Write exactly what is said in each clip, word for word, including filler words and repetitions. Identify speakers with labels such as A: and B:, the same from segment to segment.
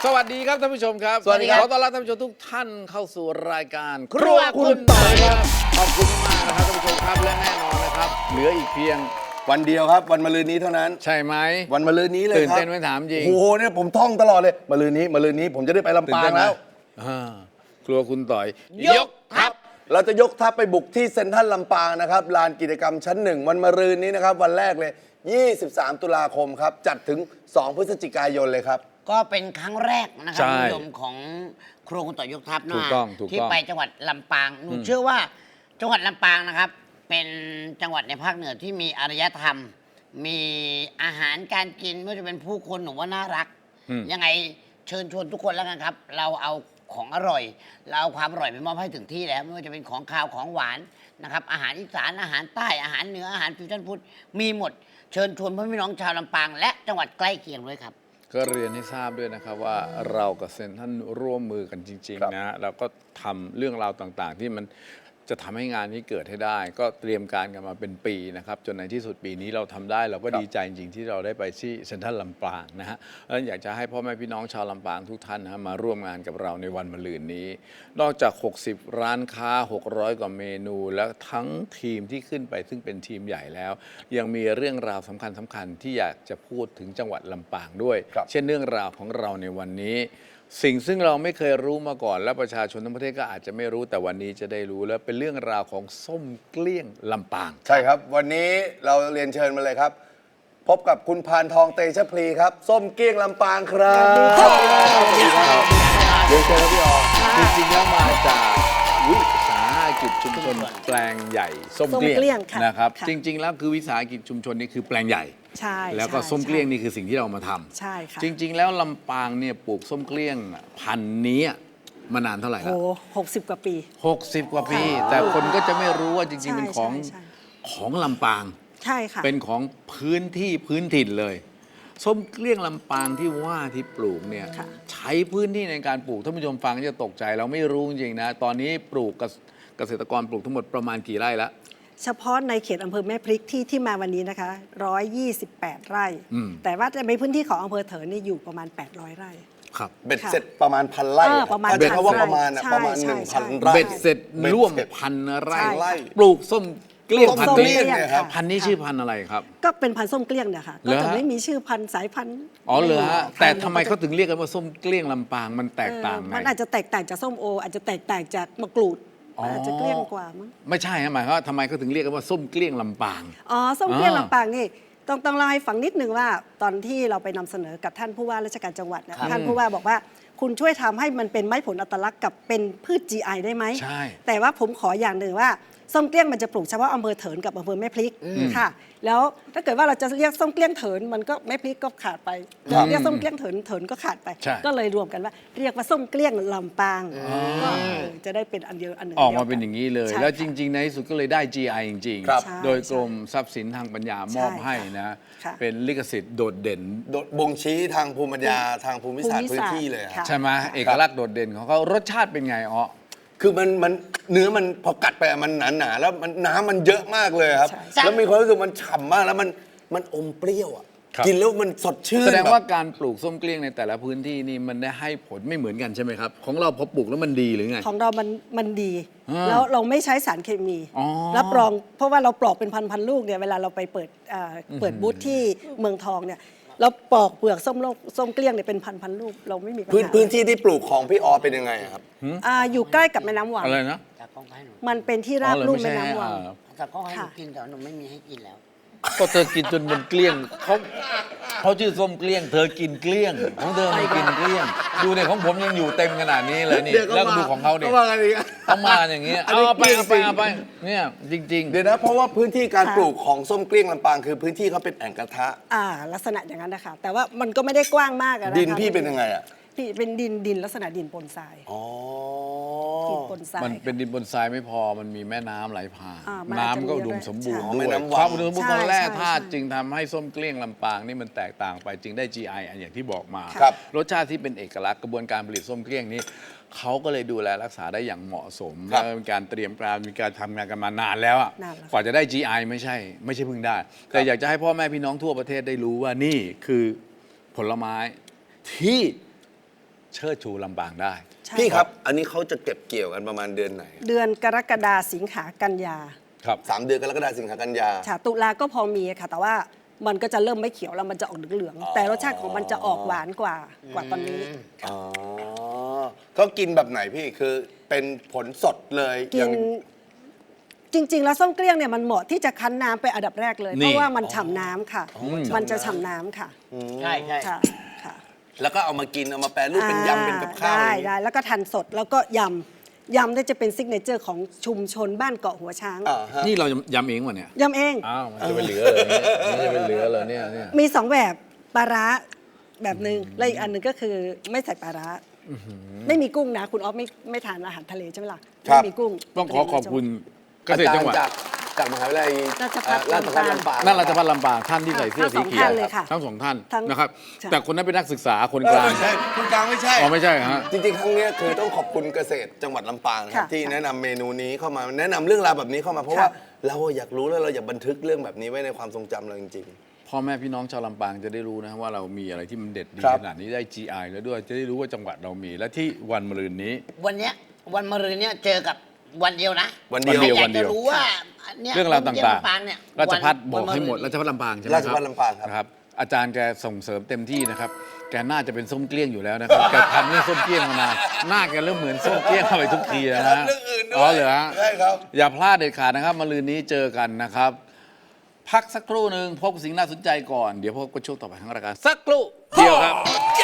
A: สวัสดีครับท่านผู้ชมครับ
B: สวัสดีครับ
A: ขอต้อนรับท่านผู้ชมทุกท่านเข้าสู่รายการครัวคุณต่อยครับขอบคุณมากนะครับท่านผู้ชมครับและแน่นอนนะครับเหลืออีกเพียง
B: วันเดียวครับวันมะรืนนี้เท่านั้น
A: ใช่ไหม
B: วันมะรืนนี้เลยครับ
A: ตื่นเต้นไหมถามจริง
B: โอ้โหเนี่ยผมท่องตลอดเลยมะรืนนี้มะรืนนี้ผมจะได้ไปลำปางแล้ว
A: อ่าครัวคุณต่อย
B: ยกทัพเราจะยกทัพไปบุกที่เซ็นทรัลลำปางนะครับลานกิจกรรมชั้นหนึ่งวันมะรืนนี้นะครับวันแรกเลยยี่สิบสามตุลาคมครับจัดถึงสองพฤศจิกายนเลยครับ
C: ก็เป็นครั้งแรกนะครับ
A: ใช่
C: คุณผู้ชมของครัวคุณต่อยกทัพ
A: ถู
C: นะ
A: กต้องถูกต้อง
C: ที่ไปจังหวัดลำปางหนูเชื่อว่าจังหวัดลำปางนะครับ เป็นจังหวัดในภาคเหนือที่มีอารยธรรม มีอาหารการกินไม่ว่าจะเป็นผู้คนหนูว่าน่ารัก
A: อืม
C: ยังไงเชิญชวนทุกคนแล้วกันครับ เราเอาของอร่อย เราเอาความอร่อยไปมอบให้ถึงที่แล้วไม่ว่าจะเป็นของคาวของหวานนะครับอาหารอีสานอาหารใต้อาหารเหนืออาหารฟิวชั่นฟู้ดมีหมดเชิญชวนพ่อพี่น้องชาวลำปาง และจังหวัดใกล้เคียงด้วยครับ
A: ก็เรียนให้ทราบด้วยนะครับว่าเรากับเซนท่านร่วมมือกันจริง
B: ครับ
A: ๆ นะแล้วก็ทำเรื่องราวต่างๆ ที่มันจะทำให้งานนี้เกิดให้ได้ ก็เตรียมการกันมาเป็นปีนะครับจนในที่สุดปีนี้เราทำได้เราก็ดีใจจริงๆ ที่เราได้ไปที่เซ็นทรัลลำปางนะฮะแล้วอยากจะให้พ่อแม่พี่น้องชาวลำปางทุกท่านนะฮะมาร่วมงานกับเราในวันมะรืนนี้ นอกจาก หกสิบ ร้านค้า หกร้อย กว่าเมนู และทั้งทีมที่ขึ้นไปซึ่งเป็นทีมใหญ่แล้ว ยังมีเรื่องราวสำคัญสำคัญที่อยากจะพูดถึงจังหวัดลำปางด้วย
B: ครับ
A: เช่นเรื่องราวของเราในวันนี้ สิ่งซึ่งเราไม่เคยรู้มาก่อน และประชาชนทั้งประเทศก็อาจจะไม่รู้แต่วันนี้จะได้รู้แล้วเป็นเรื่องราวของส้มเกลี้ยงลำปาง
B: ใช่ครับ วันนี้เราเรียนเชิญมาเลยครับ พบกับคุณพานทองเตชะพลีครับ ส้มเกี้ยงลำปางครับสวัสดีครับเรียนเชิญครับพี่ออ
A: จริงๆแล้วมาจากวิสาหกิจชุมชนแปลงใหญ่ส้ม
D: ส้ม
A: เกลี้ย
D: เกลี้ย
A: ง
D: งค่ะ
A: นะครับ
D: ค่ะ
A: จริง ๆ แล้วคือวิสาหกิจชุมชนนี่คือแปลงใหญ่
D: ใช่
A: แล้วก็
D: ใช่
A: ส้มเกลี้ยง
D: ใช่
A: นี่คือสิ่งที่เรามาทำ
D: ใช่ค่ะ
A: จริง ๆ แล้วลำปางเนี่ยปลูกส้มเกลี้ยงพันธุ์นี้มานานเท่าไหร่
D: โอ้
A: แล้ว
D: หกสิบกว่าปี
A: หกสิบกว่าปี
D: ค่ะ
A: แต่คนก็จะไม่รู้ว่าจริง ๆ เป็นของ
D: ใช่ใช่
A: ของลำปาง
D: ใช่ค่ะ
A: เป็นของพื้นที่พื้นถิ่นเลย ส้มเกลี้ยงลำปางที่ว่าที่ปลูกเนี่ย
D: ค่ะ
A: ใช้พื้นที่ในการปลูกท่านผู้ชมฟังจะตกใจเราไม่รู้จริงๆนะ ตอนนี้ปลูกเกษเกษตรกรปลูกทั้งหมดประมาณกี่ไร่ละ
D: เฉพาะในเขตอำเภอแม่พริกที่ที่มาวันนี้นะคะหนึ่งร้อยยี่สิบแปด ไร่
A: อืม
D: แต่ว่าในพื้นที่ของอำเภอเถินนี่อยู่ประมาณ แปดร้อย ไร่
A: ครับ
B: เบ็ดเสร็จประมาณพันไร่
D: เออประมาณ
B: เบ็ดเขาว่า
D: พันไร่
B: ประมาณอะ
D: ใช่
B: ประมาณ
D: ใช่
B: หนึ่งพัน
D: ใช่
B: ไร่
A: เบ็ดเสร็จ
B: เบ็ด
A: ร่วม
B: เสร็จ
A: พันไร่
D: ใช่
B: ไร่
A: ปลูกส้มเกลี้ยงพัน
D: ส้ม
A: ธุ์
D: เกลี้
A: นี้
D: ยง
B: เนี่ยครับ
D: ค่ะ
A: พันธุ์นี้ชื่อพันธุ์อะไรครับ
D: ก็เป็นพันธุ์ส้มเกลี้ยงเนี่ยค่ะ
A: เหร
D: ก็
A: อ
D: จะ
A: ฮะ
D: ไม่มีชื่อพันธุ์สายพันธุ์
A: อ๋อเหรอฮะ
D: พันธุ์
A: แต่ทำไมเขาถึงเรียกกันว่าส้มเกลี้ยงลำปางมันแตกต่าง
D: เออ
A: ไง
D: มันอาจจะแตกต่างจากส้มโอ อาจจะแตกต่างจากมะกรูด
A: อ๋ออ
D: อาจจะเกลี้ยงกว่ามั้ง
A: ไม่ใช่ฮะหมายความว่าทำไมเขาถึงเรียกกันว่าส้มเกลี้ยงลำปาง
D: อ๋อส้มเกลี้ยง
A: อ่า
D: ลำปางนี่ต้องต้องเล่าให้ฟังนิดนึงว่าตอนที่เราไปนำเสนอกับท่านผู้ว่าราชการจังหวัดเนี่ยท่านผู้ว่าบอกว่าคุณช่วยทำให้มันเป็นไม้ผลอัตลักษณ์กับเป็นพืช จี ไอ ได้ไหม
A: ใช่
D: แต่ว่าผมขออย่างหนึ่งว่าส้มเกลี้ยงมันจะปลูกเฉพาะอำเภอเถินกับอำเภอแม่พริกค่ะ แล้วถ้าเกิดว่าเราจะเรียกส้มเกลี้ยงเถินมันก็แม่พริกก็ขาดไป
A: ครับ
D: เรียกส้มเกลี้ยงเถินเถินก็ขาดไป
A: ใช่
D: ก็เลยรวมกันว่า เรียกว่าส้มเกลี้ยงลำปางก็เออจะได้เป็นอันเดียวอันหนึ่ง
A: ออกมา
D: ดีว
A: เป็นอย่างนี้เลย
D: ใช่
A: แล้วจ
D: ค่ะ
A: ริง ๆ ในที่สุดก็เลยได้ จี ไอ จริง
B: ครับ
D: ใช่
A: ๆ โดยกรมทรัพย์สินทางปัญญามอบ
D: ใช่
A: ให้นะ
D: ค่ะ
A: เป็นลิขสิทธิ์โดดเด่น
B: โดดบ่งชี้ทางภูมิปัญญาทางภูมิศาสตร์
D: ภูมิ
B: พื้น
D: ศาสตร์
B: ที่เลยครับ
D: ค่ะ
A: ใช่ไหมเอกลักษณ์โดดเด่นของเขารสชาติเป็นไงอ๋อ
B: คือมันมันเนื้อมันพอกัดไปอะมันหนาหนาๆแล้วมันน้ำมันเยอะมากเลยครับ
D: ใช่ใช่
B: แล้วมีความรู้สึกมันฉ่ำมากแล้วมันมันอมเปรี้ยวอ่ะ
A: ครับ
B: กินแล้วมันสดชื่น
A: แสดงว่า
B: บบ
A: การปลูกส้มเกลี้ยงในแต่ละพื้นที่นี่มันได้ให้ผลไม่เหมือนกันใช่ไหมครับ ของเราพอปลูกแล้วมันดีหรือไง
D: ของเรามันมันดี
A: อ่า
D: แล้วเราไม่ใช้สารเคมี
A: อ๋อ
D: รับรองเพราะว่าเราปลอกเป็นพันพันๆลูกเนี่ยเวลาเราไปเปิดอ่าเปิดบูธที่เมืองทองเนี่ยเราปอกเปลือกส้มโลกส้มเกลี้ยงเนี่ยเป็นพันพันๆลูกเราไม่มีปัญ
B: พื้น
D: หา
B: พื้นที่ที่ปลูกของพี่ออเป็นยังไงอะครับ
D: อ่าอยู่ใกล้กับแม่น้ำวัง
A: อะไรนะ
C: จากกล้องให้หนู
D: มันเป็นที่ราบ
A: อ๋อเหรอ
D: ลุ่ม
A: ไม่
D: แม่
A: ใช่
D: น้ำวัง
A: อ่า
C: จากกล้องให้หนู
D: ค่ะ
C: กินแต่ว่าหนูไม่มีให้กินแล้ว
A: ก็เธอกินจนมันเกลี้ยงเขาเขาชื่อส้มเกลี้ยง เธอกินเกลี้ยงของเธอไม่กินเกลี้ยง ดูเนี่ยของผมยังอยู่เต็มขนาดนี้เลยนี่
B: เดี๋ยวก็
A: แล้วก็
B: มา
A: ดูของเขาเนี่ย
B: ก็ว่ากันอีก
A: เขามาอย่างเงี้ย
B: อัน
A: เอา
B: นี้
A: ไป
B: เกลี้ยง
A: เอาไป
B: จริง
A: เอาไปเนี่ยจริง
B: เดี๋ยวนะเพราะว่าพื้นที่การ
D: ค่ะ
B: ปลูกของส้มเกลี้ยงลำปางคือพื้นที่เขาเป็นแอ่งกระทะ
D: อ่าลักษณะอย่างนั้นนะคะแต่ว่ามันก็ไม่ได้กว้างมากอะนะคะ
B: ดินพี่เป็นยังไงอ่ะ
D: พี่เป็นดินดินลักษณะดินปนทราย
B: อ๋อ
D: ดินปนทราย
A: ๆ มันเป็นดินบนทรายไม่พอมันมีแม่น้ำไหลผ่าน
D: อ่ามันอาจจะ
A: น้ำก็อุดมสมบูรณ์
D: มี
A: ด้
D: ด้วย
A: วย
B: ใช่แม่น้ำวัง
A: ความอุดมสมบูรณ์ของแร่
D: ใช่
A: ธาตุ
D: ใช่
A: จึงทำให้ส้มเกลี้ยงลำปางนี่มันแตกต่างไปจึงได้ จี ไอ อันอย่างที่บอกมา
B: ครับ
A: รสชาติที่เป็นเอกลักษณ์กระบวนการผลิตส้มเกลี้ยงนี้เขาก็เลยดูแลรักษาได้อย่างเหมาะสม
B: ครับ
A: และมีการเตรียมการมีการทำงานกันมานานแล้วอะ
D: นานแล้ว
A: กว่าจะได้ จี ไอ ไม่ใช่ ไม่ใช่เพิ่งได้ แต่อยากจะให้พ่อแม่พี่น้องทั่วประเทศได้รู้ว่านี่คือผลไม้ที่เชิดชูลำปางได้
D: ใช่
B: พี่ครับ อันนี้เขาจะเก็บเกี่ยวกันประมาณเดือนไหน
D: เดือนกรกฎาสิงหากันยา
A: ครับ
B: สามเดือนกรกฎาคมสิงหากันยา
D: ค่ะตุลาก็พอมีค่ะ แต่ว่ามันก็จะเริ่มไม่เขียวแล้วมันจะออกเหลืองๆแต่รสชาติของมันจะออกหวานกว่ากว่าตอนนี้
B: อ๋อเขากินแบบไหนพี่คือเป็นผลสดเลย
D: กิ
B: อย่าง
D: นจริง ๆ แล้วส้มเกลี้ยงเนี่ยมันเหมาะที่จะคั้นน้ำไปนอันดับแรกเลย
A: นี่
D: เพราะว่ามันฉ่ำน้ำค่ะ มันจะฉ่ำน้ำค่ะ
C: ใช่ใช่
D: ค่ะค่ะ
B: แล้วก็เอามากินเอามาแปรรูปเป็นยำเป็นกับข้าว
D: ได้
B: อย่างนี้
D: ได้แล้วก็ทานสดแล้วก็ยำยำเนี่ยจะเป็นซิกเนเจอร์ของชุมชนบ้านเกาะหัวช้าง
B: อ่าฮะ
A: นี่เรายำเองวะเนี่ย
D: ยำเอง
A: อ้าวมันจะเป็นเหลือเลยเนี่ยมันจะเป็นเหลือเลยเนี่ยเนี่ย
D: มีสองแบบปลาร้าแบบหนึ่งและอีกอันหนึ่งก็คือไม่ใส่ปลาร้าไม่มีกุ้งนะ คุณออฟไม่ไม่ทานอาหารทะเลใช่ไหมล่ะ
B: ครับ
D: ไม่มีกุ้ง
A: ต้องขอขอบคุณเกษตรจังหวัด
B: จากจากมหาวิทยาลัย
D: ราชภัฏ
B: เอ่อราชภัฏลำปาง
A: นั่นราชพัฒลำปางท่านที่ใส่เสื้อสีเขียว
D: ทั้งสองท่านเลยค่ะ
A: ทั้งสองท่าน
D: ทั้ง
A: นะครับ
D: ใช่
A: แต่คนนั้นเป็นนักศึกษาคน
B: เอก อ
A: ลาง
B: ไม่ใช่คุณกลางไม่ใช่
A: อ๋อไม่ใช่ฮะ
B: จริงๆ ครั้งเนี้ยคือต้องขอบคุณเกษตรจังหวัดลำปางครับ
D: ค่ะ
B: ที่
D: ค่ะ
B: แนะนำเมนูนี้เข้ามาแนะนำเรื่องราวแบบนี้เข้ามาเพราะ
D: ค่ะ
B: ว่าเราอยากรู้แล้วเราอยากบันทึกเรื่องแบบนี้ไว้ในความทรงจำเราจริง
A: พ่อแม่พี่น้องชาวลำปางจะได้รู้นะว่าเรามีอะไรที่มันเด็ดดี
B: ครับ
A: ขนาดนี้ได้ จี ไอ แล้วด้วยจะได้รู้ว่าจังหวัดเรามี และที่วันมะรืนนี้
C: วันเนี้ยวันมะรืนเนี่ยเจอกับวันเดียวนะ
B: วันเดียว
C: ใครอยา
A: วัน
C: ก
A: เดี
C: จะ
A: ยว
C: รู้ว่าเนี่ย
A: เรื่องราว
C: ผมเยี่ยม
A: ต่าง
C: ลำปางเนี่ย
A: ๆราชพัฒ
C: วัน
A: บอกให้หมด
C: วัน
A: ราชพัฒลำปางใช่ไหม
B: ราชภัฏลำปางครับ
A: นะครับ อาจารย์แกส่งเสริมเต็มที่นะครับ แกน่าจะเป็นส้มเกลี้ยงอยู่แล้วนะครับ แกทำเรื่องส้มเกลี้ยงมานานหน้าแกเริ่มเหมือนส้มเกลี้ยงเข้าไปทุกทีแล้วนะ
B: เรื่องอื่นด้วย
A: อ๋อเหรอฮะ
B: ใช่ครับ
A: อย่าพลาดเด็ดขาดนะครับมะรืนนี้เจอกันนะครับ พักสักครู่หนึ่งพบกับสิ่งน่าสนใจก่อนเดี๋ยวพบกับช่วงต่อไปของรายการสักครู่เดียวครับ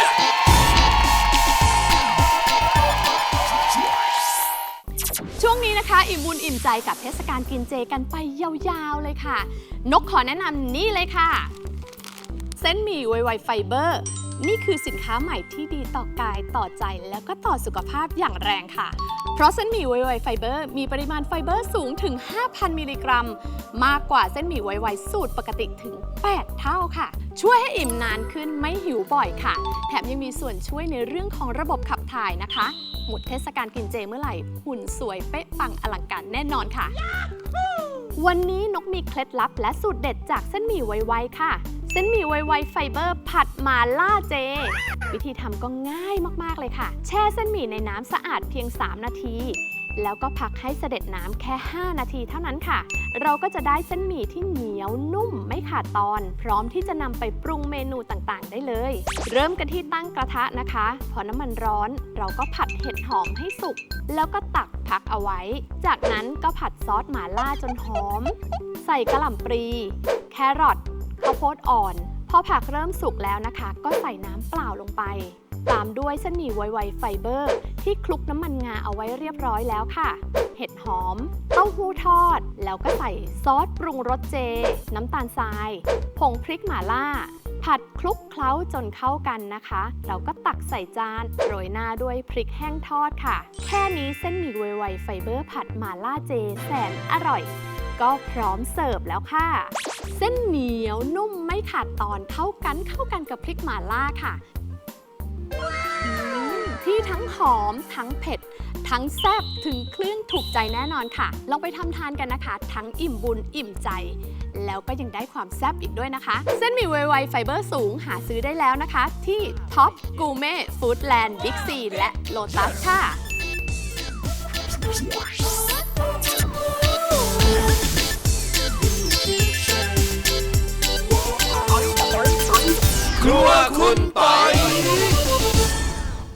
E: ช่วงนี้นะคะ อิ่มบุญอิ่มใจกับเทศกาลกินเจกันไปยาวๆเลยค่ะ นกขอแนะนำนี่เลยค่ะ เส้นหมี่ไวไวไฟเบอร์ นี่คือสินค้าใหม่ที่ดีต่อกายต่อใจแล้วก็ต่อสุขภาพอย่างแรงค่ะ เพราะเส้นหมี่ไวไวไฟเบอร์มีปริมาณไฟเบอร์สูงถึง ห้าพัน มิลลิกรัม มากกว่าเส้นหมี่ไวไวสูตรปกติถึง แปด เท่าค่ะ ช่วยให้อิ่มนานขึ้นไม่หิวบ่อยค่ะ แถมยังมีส่วนช่วยในเรื่องของระบบขับถ่ายนะคะ หมดเทศกาลกินเจเมื่อไหร่หุ่นสวยเป๊ะปังอลังการแน่นอนค่ะ วันนี้นกมีเคล็ดลับและสูตรเด็ดจากเส้นหมี่ไวๆค่ะ เส้นหมี่ไวๆไฟเบอร์ผัดมาล่าเจ วิธีทำก็ง่ายมากๆเลยค่ะ แช่เส้นหมี่ในน้ำสะอาดเพียง สาม นาที แล้วก็พักให้เสด็จน้ำแค่ ห้า นาทีเท่านั้นค่ะ เราก็จะได้เส้นหมี่ที่เหนียวนุ่มไม่ขาดตอน พร้อมที่จะนำไปปรุงเมนูต่างๆ ได้เลย เริ่มกันที่ตั้งกระทะนะคะ พอน้ำมันร้อนเราก็ผัดเห็ดหอมให้สุก แล้วก็ตักพักเอาไว้ จากนั้นก็ผัดซอสหม่าล่าจนหอม ใส่กระหล่ำปลี แครอท ข้าวโพดอ่อน พอผักเริ่มสุกแล้วนะคะ ก็ใส่น้ำเปล่าลงไป ตามด้วยเส้นหมี่ไวๆไฟเบอร์ ที่คลุกน้ำมันงาเอาไว้เรียบร้อยแล้วค่ะ เห็ดหอม เต้าหู้ทอด แล้วก็ใส่ซอสปรุงรสเจ น้ำตาลทราย ผงพริกหม่าล่า ผัดคลุกเคล้าจนเข้ากันนะคะ เราก็ตักใส่จานโรยหน้าด้วยพริกแห้งทอดค่ะ แค่นี้เส้นหมี่ไวๆไฟเบอร์ผัดหม่าล่าเจแสนอร่อย ก็พร้อมเสิร์ฟแล้วค่ะ เส้นเหนียวนุ่มไม่ขาดตอนเข้ากันเข้ากันกับพริกหม่าล่าค่ะอืมที่ทั้งหอมทั้งเผ็ด ทั้งแซ่บถึงเครื่องถูกใจแน่นอนค่ะ ลองไปทำทานกันนะคะ ทั้งอิ่มบุญอิ่มใจ แล้วก็ยังได้ความแซ่บอีกด้วยนะคะ เส้นหมี่ไวๆไฟเบอร์สูงหาซื้อได้แล้วนะคะ ที่ท็อปกูเม่ฟู้ดแลนด์บิ๊กซีและโลตัสค่ะ
B: ครัวคุณปอย